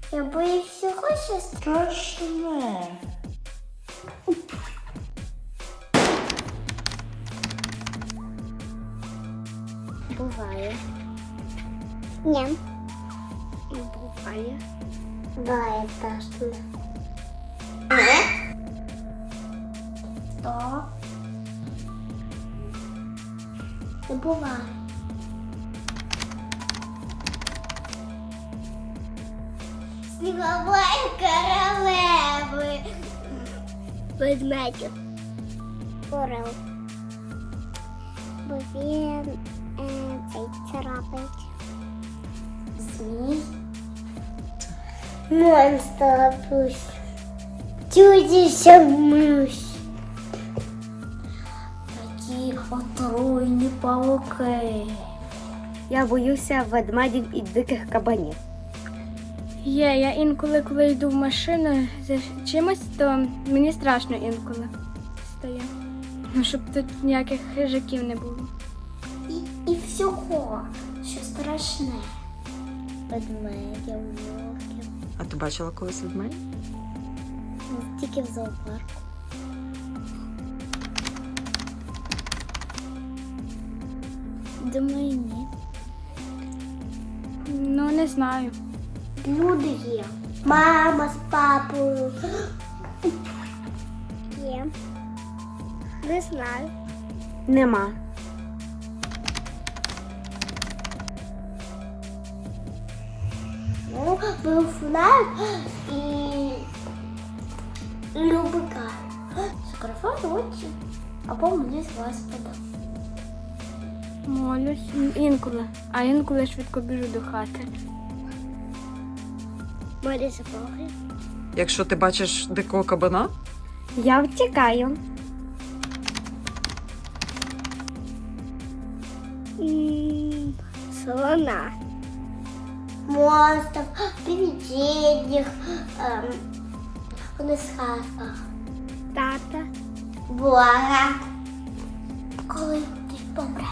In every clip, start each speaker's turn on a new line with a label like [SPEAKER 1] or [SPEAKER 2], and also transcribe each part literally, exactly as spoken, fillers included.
[SPEAKER 1] Я боюсь всього, що страшне. Буває. Ні. Буває. Буває страшно. Не? Що? Не буває. Снігової королеви. Ведмедів. Орел. Бо він е, цей царапить. Змій. Монстр пусть. Чудіся миш. Такі отруйні павуки.
[SPEAKER 2] Я боюся ведмедів і диких кабанів.
[SPEAKER 3] Є, я інколи, коли йду в машину за чимось, то мені страшно інколи стає. Ну, щоб тут ніяких хижаків не було.
[SPEAKER 1] І, і всього, що страшне. Ведмедів, вовків.
[SPEAKER 4] А ти бачила колись ведмедя?
[SPEAKER 1] Тільки в зоопарку. Думаю, ні.
[SPEAKER 3] Ну, не знаю.
[SPEAKER 1] Люди є. Мама з папою. Є. Не знаю.
[SPEAKER 2] Нема.
[SPEAKER 1] Ну, був фонарик і любика. Закриваю очі, або мені з вас подав.
[SPEAKER 3] Молюсь інколи, а інколи швидко біжу до хати.
[SPEAKER 1] Молі запахи.
[SPEAKER 4] Якщо ти бачиш дикого кабана,
[SPEAKER 2] Я втікаю.
[SPEAKER 1] Слона. Монстров, привидениях, ем, вони з хатках. Тата. Бога. Коли ти помреш.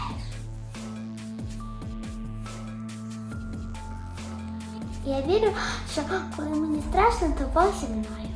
[SPEAKER 1] Я вірю, що коли мені страшно, то Бог зі мною.